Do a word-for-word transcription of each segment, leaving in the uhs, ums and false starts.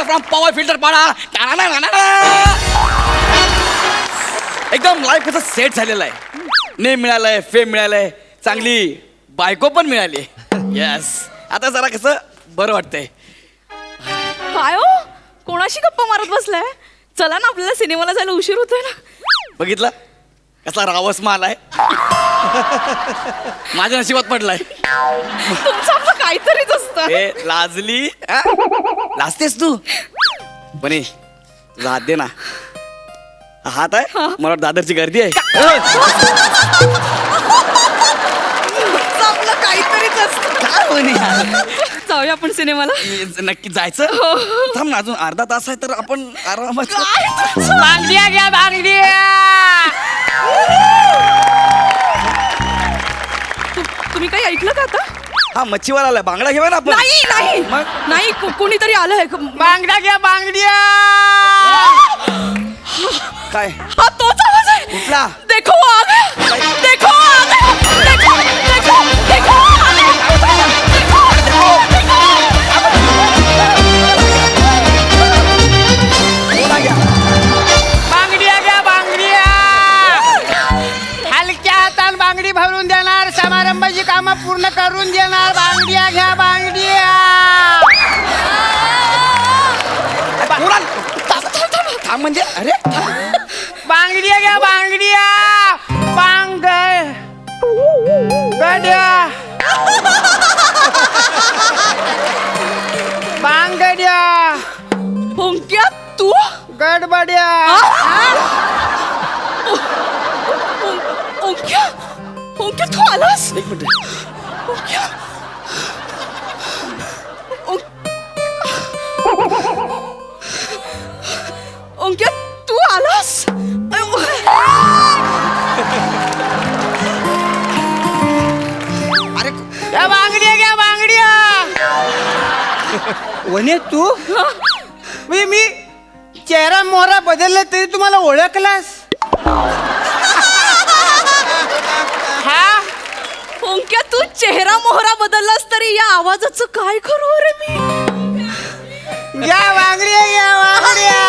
From power filter पाडा. एकदम life कसं सेट झालेलं आहे. नेम मिळालंय, फेम मिळालंय, चांगली बायको पण मिळाली. येस, आता जरा कसं बरं वाटतंय. काय हो, कोणाशी गप्पा मारत बसलाय? चला ना, आपल्याला सिनेमाला जायला उशीर होतोय ना. बघितलं कसा रावस माल आहे. माझ्या नशिबात पडलाय. तुमचं आपलं काहीतरीच असतं. ए लाजली, हा? लाजतेस तू बने. तुझा हात दे ना. हात आहे, मला वाटतं दादरची गर्दी आहे. तुमचं आपलं काहीतरीच असतं. काय म्हणे? जाऊया आपण सिनेमाला. नक्की जायचं. थांब ना, अजून अर्धा तास आहे तर आपण आरामात. बांगड्या घ्या बांगड्या. तुम्ही काही ऐकलं का आता? हा मच्छीवाला आलाय, बांगडा घेऊया ना आपण. नाही नाही मग? नाही, को- कोणीतरी आलंय. बांगड्या घ्या बांगड्या. काय हा तोच आवाज आहे. कुठला? देखो आ गया, देखो आ गया, देखो देखो देखो आ गया, देखो देखो. बांगड्या घ्या बांगड्या. हलक्या हातान बांगडी भरून देणार, समारंभाची कामं पूर्ण करून देणार. बांगड्या घ्या बांगड्या. कोणाला? थांब, थांब, थांब. थांब म्हणजे अरे बांगड्या घ्या बांगड्या. बांग गड्या बांगड्या. ओंक्या तू? गडबड्या. ओं- ओंक्या ओंक्या तू आलास? एक मिनिट. ओंक्या ओंक्या तू आलास? अरे घ्या बांगड्या घ्या बांगड्या. वने तू मी मी चेहरा मोहरा बदलला तरी तुम्हाला ओळखलास? हा ओंक्या तू चेहरा मोहरा बदललास तरी या आवाजाचं काय करू रे मी? घ्या बांगड्या घ्या बांगड्या.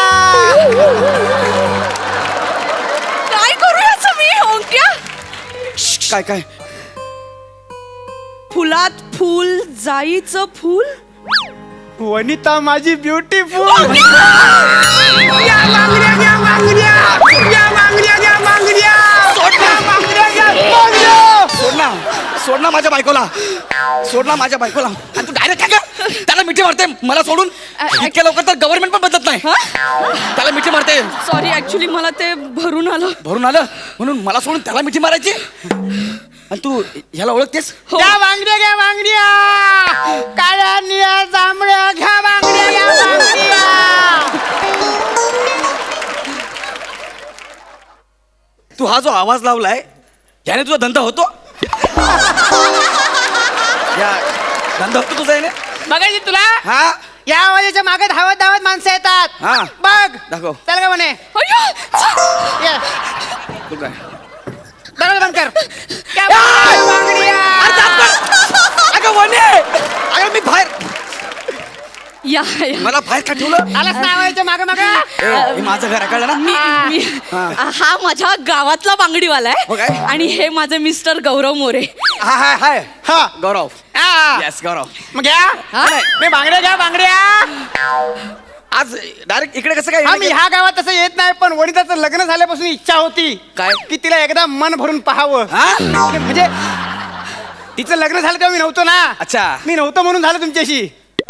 काय करू याचं मी ओंक्या? काय काय फुलात फुल, जाईचं फुल. वनिता माझी ब्युटीफुल. या बांगड्या घ्या बांगड्या. या बांगड्या घ्या बांगड्या. या बांगड्या घ्या बांगड्या. सोड ना, सोड ना माझ्या बायकोला. सोड ना माझ्या बायकोला. आणि तू डायरेक्ट काय का त्याला मिठी मारते मला सोडून? इतक्या लवकर तर गव्हर्नमेंट पण बदलत नाही. त्याला मिठी मारते. सॉरी, ऍक्च्युली मला ते भरून आलं. भरून आलं म्हणून मला सोडून त्याला मिठी मारायची? आणि तू ह्याला ओळखतेस? घ्या बांगड्या घ्या बांगड्या. काळ्या निळ्या जांभळ्या घ्या बांगड्या घ्या बांगड्या. तू हा जो आवाज लावलाय याने तुझा धंदा होतो? या धंदा होतो तुझा याने? बघायची तुला हा या आवाजाच्या मागे धावत धावत माणसं येतात. हा. बघ दाखव. चल का म्हणे. अय्यो! ये. तू काय दरवाजा बंद कर. घ्या बांगड्या, बांगड्या. अगं वने, अगं मी बाहेर, या या. मला बाहेर का ठेवलं? आलास ना आवाजाच्या मागे मागे. ए, हे माझं घर आहे, कळलं ना? मी मी हा माझ्या गावातला बांगडीवाला हो काय? आहे आणि हे माझे मिस्टर गौरव मोरे. हा हाय हाय हा गौरव. हा. येस गौरव. मग घ्या नाही. मी बांगड्या घ्या बांगड्या. आज डायरेक्ट इकडे कसं काय? हा मी ह्या गावात तसं येत नाही, पण वनिताचं लग्न झाल्यापासून इच्छा होती काय? की तिला एकदा मन भरून पाहावं. हा? म्हणजे तिचं लग्न झालं तेव्हा मी नव्हतो ना. अच्छा. मी नव्हतो म्हणून झालं तुमच्याशी.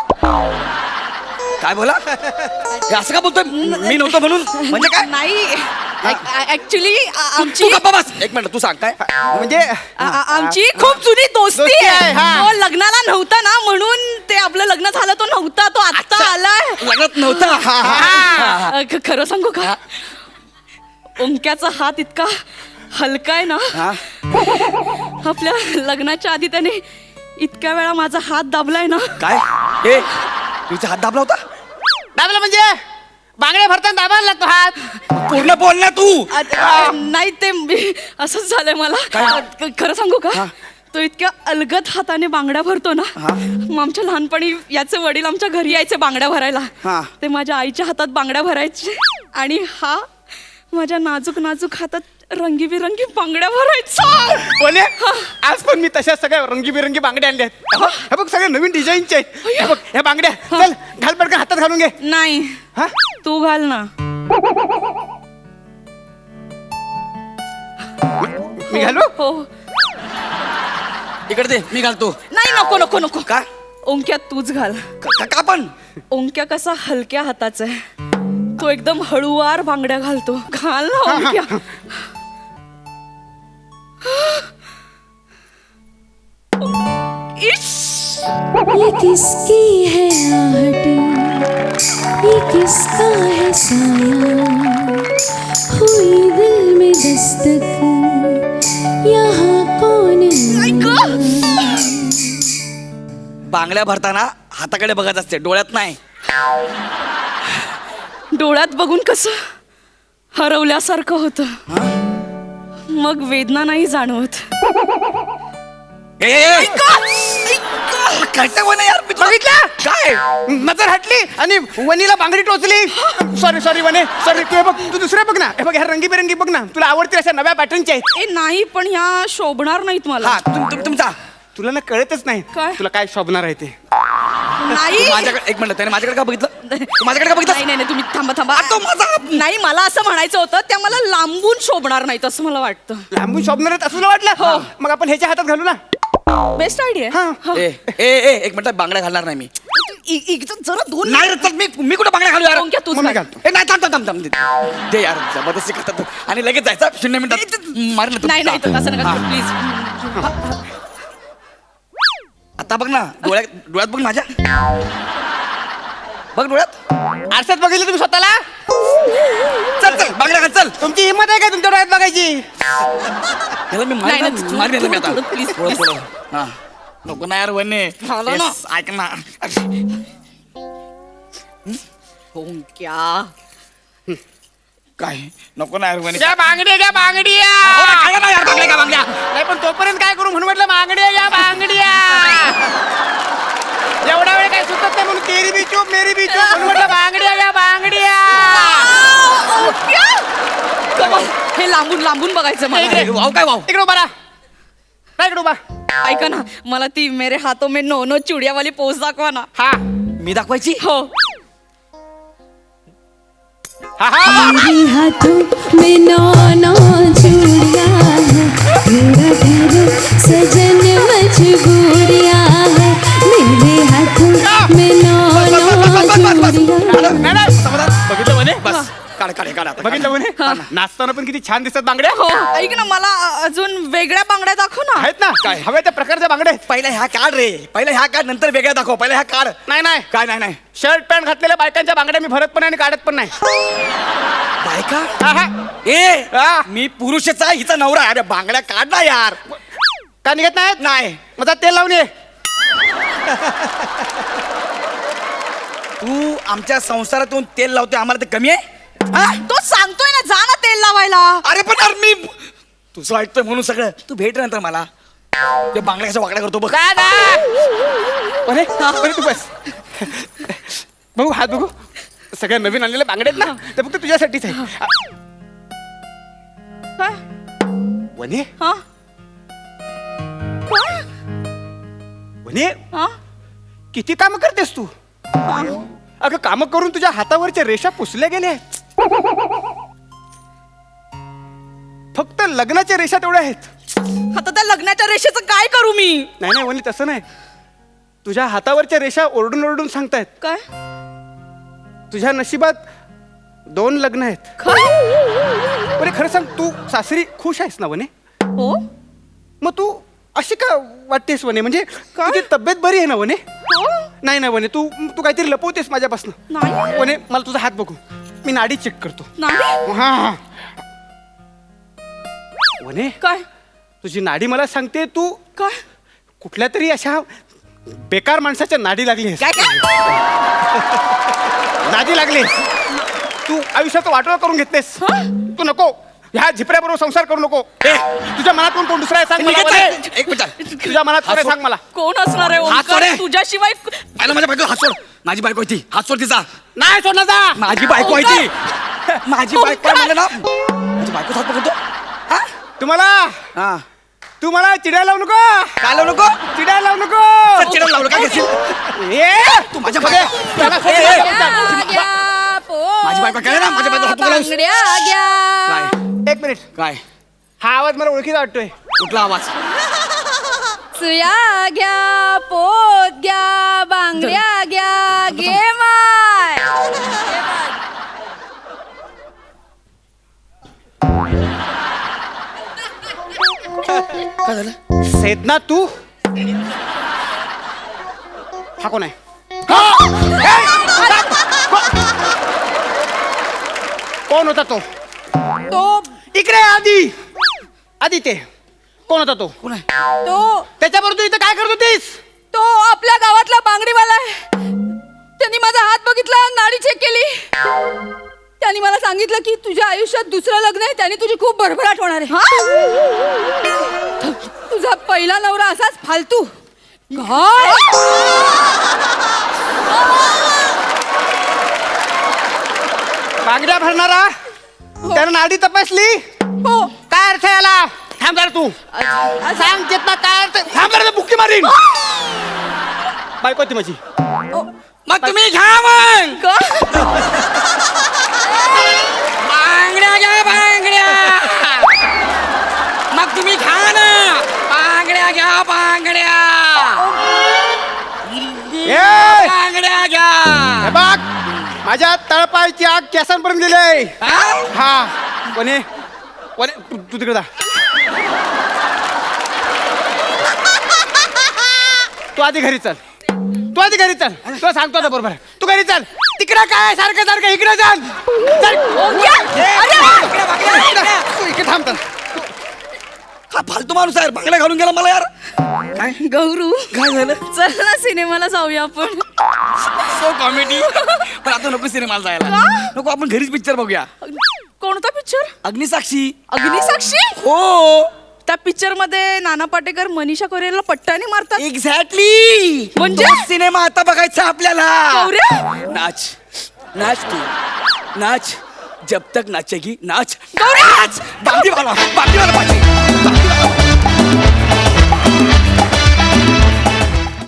काय बोला? हे असं का बोलतोय? मी नव्हतो म्हणून म्हणजे काय? नाही, ऍक्च्युली आमची तू गप्पा बस. एक मिनिट, तू सांग काय? म्हणजे आ- आ- आमची खूप जुनी दोस्ती दोस्ती आहे, आहे. हा. तो लग्नाला नव्हता ना, म्हणून ते आपलं लग्न झालं, तो नव्हता, तो आत्ता आलाय. लग्नात नव्हता. हा. अ, ख- खरं सांगू का, ओंक्याचा हात इतका हलका आहे ना, हा? आपल्या लग्नाच्या आधी त्याने इतक्या वेळा माझा हात दाबलाय ना. काय? ए तुझा हात दाबला होता? दाबलं म्हणजे बांगड्या भरताना दाबायला लागतो हात. पूर्ण बोल ना तू. अ, अ, नाही ते मी- असंच झालंय मला. काय? अ, ख- खरं सांगू का, तो इतक्या अलगद हाताने बांगड्या भरतो ना. मग आमच्या लहानपणी याचे वडील आमच्या घरी यायचे बांगड्या भरायला. हा. ते माझ्या आईच्या हातात बांगड्या भरायचे आणि हा माझ्या नाजूक नाजूक हातात रंगीबिरंगी बांगड्या भरायचा. बोले आज पण मी तशा सगळ्या रंगीबिरंगी बांगड्या आणल्या आहेत. हे बघ सगळ्या नवीन डिझाईनचे आहेत. हे बघ ह्या बांगड्या चल घाल पडका हातात घालून घे. नाही हा तू घाल ना. मी घालू. हो. इकडे दे मी घालतो. नाही नको नको नको. का ओंक्या तूच घाल. का का पण ओंक्या कसा हलक्या हाताचा आहे. तो एकदम हळूवार बांगड्या घालतो. घाल ना ओंक्या. इश. ये किसकी है आहट, ये किसका है साया, हुई दिल में दस्तक, यहाँ कौन आया? बांगड्या भरताना हाताकडे बघत असते, डोळ्यात नाही. डोळ्यात बघून कसं हरवल्यासारखं होतं. मग वेदना नाही जाणवत. ए, ए, करता कोण आहे यार? मी तुला- बघितलं काय नजर हटली आणि वनीला बांगडी टोचली. सॉरी सॉरी वने सॉरी. तू हे बघ तू दुसरे बघ ना. हे बघ ह्या रंगीबेरंगी बघ ना. तुला आवडतील अशा नव्या पॅटर्नच्या आहेत. ए नाही पण ह्या शोभणार नाहीत मला. हा तुम तुम- तुमचा तुला ना कळतच नाही काय? तुला काय शोभणार आहे ते. नाही माझ्याकडे एक मिनिट त्याने माझ्याकडे का बघितलं तू माझ्याकडे का बघितलं नाही नाही नाही, तुम्ही थांबा थांबा. आ, तो माझा- नाही मला असं म्हणायचं होतं त्या मला लांबून शोभणार नाहीत असं मला वाटतं. लांबून शोभणार आहेत असं तुला वाटलं. मग आपण ह्याच्या हातात घालू ना. Best idea. हा. ए ए ए एक मिनिट बांगड्या घालणार नाही मी. जरा दोन नाही रे, चल मी मी कुठे बांगड्या घालू यार? ओंक्या, तूच मग मी घाल. घालतो. ए नाही थांब थांब थांब थांब दे. दे यार जबरदस्ती करतात आणि लगेच जायचं शून्य मिनिटात मारलं तू. नाही नाही तर तसं नका हा. प्लीज. आता बघ ना डोळ्यात डोळ्यात बघ माझ्या. बघ डोळ्यात. आरशात बघितलं तुम्ही स्वतःला. चल चल बांगड्या घाल चल. तुमची हिंमत आहे का तुमच्या डोळ्यात बघायची. याला मी नाही, मारेन नाही, मारेन याला मी आता. थोडं, थोडं, please, थोडं, please. थोडं. हा नको ना यार वने. झालं ना. Yes, ऐक ना. ओंक्या. काय नको ना यार वने. घ्या बांगड्या घ्या बांगड्या. हो ना, काय ना यार बांगड्या का बांगड्या. नाही पण तोपर्यंत काय करू म्हणून म्हटलं बांगड्या घ्या बांगड्या. एवढा वेळ काय सुचत नाही म्हणून तेरी बी चूप मेरी बी चूप म्हणून म्हटलं बांगड्या घ्या बांगड्या. ओंक्या. Come on. हे लांबून लांबून बघायचं मला. ए, वाव काय वाव. इकडे उभा राहा. काय इकडे उभा. ऐका ना मला ती मेरे हाथों में नो नो चुडिया वाली पोज दाखवा ना. हा मी दाखवायची. हो. हा हा मेरे हाथों में नौ नौ चूड़ियां हैं, मेरा घर सजन मजबूरियां हैं, मेरे हाथों में नौ नौ चूड़ियां. नाही, नाही. बघितलं म्हणे बस काढ काढ काढ आता. बघितलं म्हणे नाचताना पण किती छान दिसतात बांगड्या. हो ऐक ना मला अजून वेगळ्या बांगड्या दाखव ना. आहेत ना काय हव्या त्या प्रकारच्या बांगड्या आहेत. पहिला ह्या काढ रे. पहिला ह्या काढ नंतर वेगळ्या दाखव. पहिला ह्या काढ. नाही नाही काय नाही नाही शर्ट पॅन्ट घातलेल्या बायकांच्या बांगड्या मी भरत पण नाही आणि काढत पण नाही. बायका. हा, हा. ए हा. मी पुरुषच आहे हिचा नवरा. अरे बांगड्या काढ ना यार. का निघत नाहीत. नाही माझा तेल लावून ये. तू आमच्या संसारातून तेल लावते आम्हाला ते कमी आहे. हा? तो सांगतोय ना जा ना तेल लावायला. अरे पण यार मी तुझं ऐकतोय म्हणून सगळं तू भेट नंतर मला. ते बांगड्या कशा वाकड्या करतो बघ. दादा अरे अरे तू बस. बघू हात बघू. सगळ्या नवीन आणलेल्या बांगड्या आहेत ना ते फक्त तुझ्यासाठीच आहे. काय? वने हा? काय? वने हा? किती काम करतेस तू. अगं काम करून तुझ्या हातावरच्या रेषा पुसल्या गेल्या आहेत. फक्त लग्नाच्या रेषा तेवढ्या आहेत. आता त्या लग्नाच्या रेषेचं काय करू मी. नाही नाही वनी तसं नाही. तुझ्या हातावरच्या रेषा ओरडून ओरडून सांगतायत काय तुझ्या नशिबात दोन लग्न आहेत. काय बरे खरं सांग तू सासरी खुश आहेस ना वने. हो मग तू अशी का वाटतेस वने म्हणजे काय? तुझी तब्येत बरी आहे ना वने. हो नाही नाही वने तू तू काहीतरी लपवतेस माझ्यापासून. नाही वने मला तुझा हात बघू. मी नाडी चेक करतो. नाही हा हा. वने काय तुझी नाडी मला सांगते तू काय कुठल्या तरी अशा बेकार माणसाच्या नाडी लागलीस. काय काय नादी लागलीस. तू आयुष्याचं वाटोळं करून घेतलेस. तू नको ह्या झिपऱ्याबरोबर संसार करू नको ए, तुझ्या मनात कोण कोण दुसरा आहे सांग मला निघत वने. आहे. एक मिनिट तुझ्या मनात कोण आहे हात सांग मला कोण असणार आहे हात सोड ओंकार रे. तुझ्याशिवाय पहिला माझ्या बायको हात सोड माझी बायको आहे ती हात सोड तिचा नाही सोडणार जा माझी बायको आहे ती माझी बायको आहे म्हणलं ना माझी बायको हात पकडतो हा तुम्हाला हा तू मला चिडायला लावू नको काय लावू नको चिडायला लावू नको तर चिडवून लावलं काय घेशील ए तू माझ्या बायको त्याला सोड, ए, ए, त्याला ए, सोड. माझी बायको काय ना माझ्या बायको हात पकडलास काय एक मिनिट काय हा आवाज मला ओळखीचा वाटतोय कुठला आवाज सुया घ्या पोत घ्या बांगड्या घ्या घे माय काय झालं सेदना तू हा कोण आहे हा! ए! कोण होता तो तो इकडे आधी आधी ते कोण होता तो कोण आहे तो त्याच्याबरोबर तू इथं काय करत होतीस तो आपल्या गावातला बांगडीवाला आहे त्यांनी माझा हात बघितला नाडी चेक केली त्यांनी मला सांगितलं की तुझ्या आयुष्यात दुसरं लग्न आहे त्याने तुझी खूप भरभराट होणार आहे तुझा पहिला नवरा असाच फालतू काय? बांगड्या भरणारा त्यानं नाडी तपासली हो काय अर्थ आहे याला थांब जरा तू सांग चेतना काय अर्थ थांब जरा बुक्की मारीन बायको ती माझी मग तुम्ही घ्या मग का? बांगड्या घ्या बांगड्या मग तुम्ही घ्या ना बांगड्या घ्या बांगड्या ए! बांगड्या घ्या हे बघ माझ्या तळपायची आग केसांपर्यंत गेली हा? हा कोणी कोणी तू तू तिकडे जा तू आधी घरी चल तू आधी घरी चल तुला सांगतो आता बरोबर तू घरी चल तिकडे काय सारखं सारखं इकडे चल चल. बांगड्या, बांगड्या, बांगड्या. तू इकडे थांब तर हा फालतू माणूस आहे बांगड्या घालून गेला मला यार काय गौरू काय झालं चल ना सिनेमाला जाऊया आपण सो कॉमेडी पण आता नको सिनेमाला जायला का? नको आपण घरीच पिक्चर बघूया कोणता पिक्चर अग्निसाक्षी अग्निसाक्षी हो त्या पिक्चर मध्ये नाना पाटेकर मनीषा कोरेला पट्ट्याने मारतात एक्झॅक्टली म्हणजे? सिनेमा आता बघायचा आपल्याला गौऱ्या? नाच नाच तू नाच जब तक नाचेगी नाच गौऱ्या! नाच बांगडी वाला बांगडी वाला पाहिजे बांगडी वाला.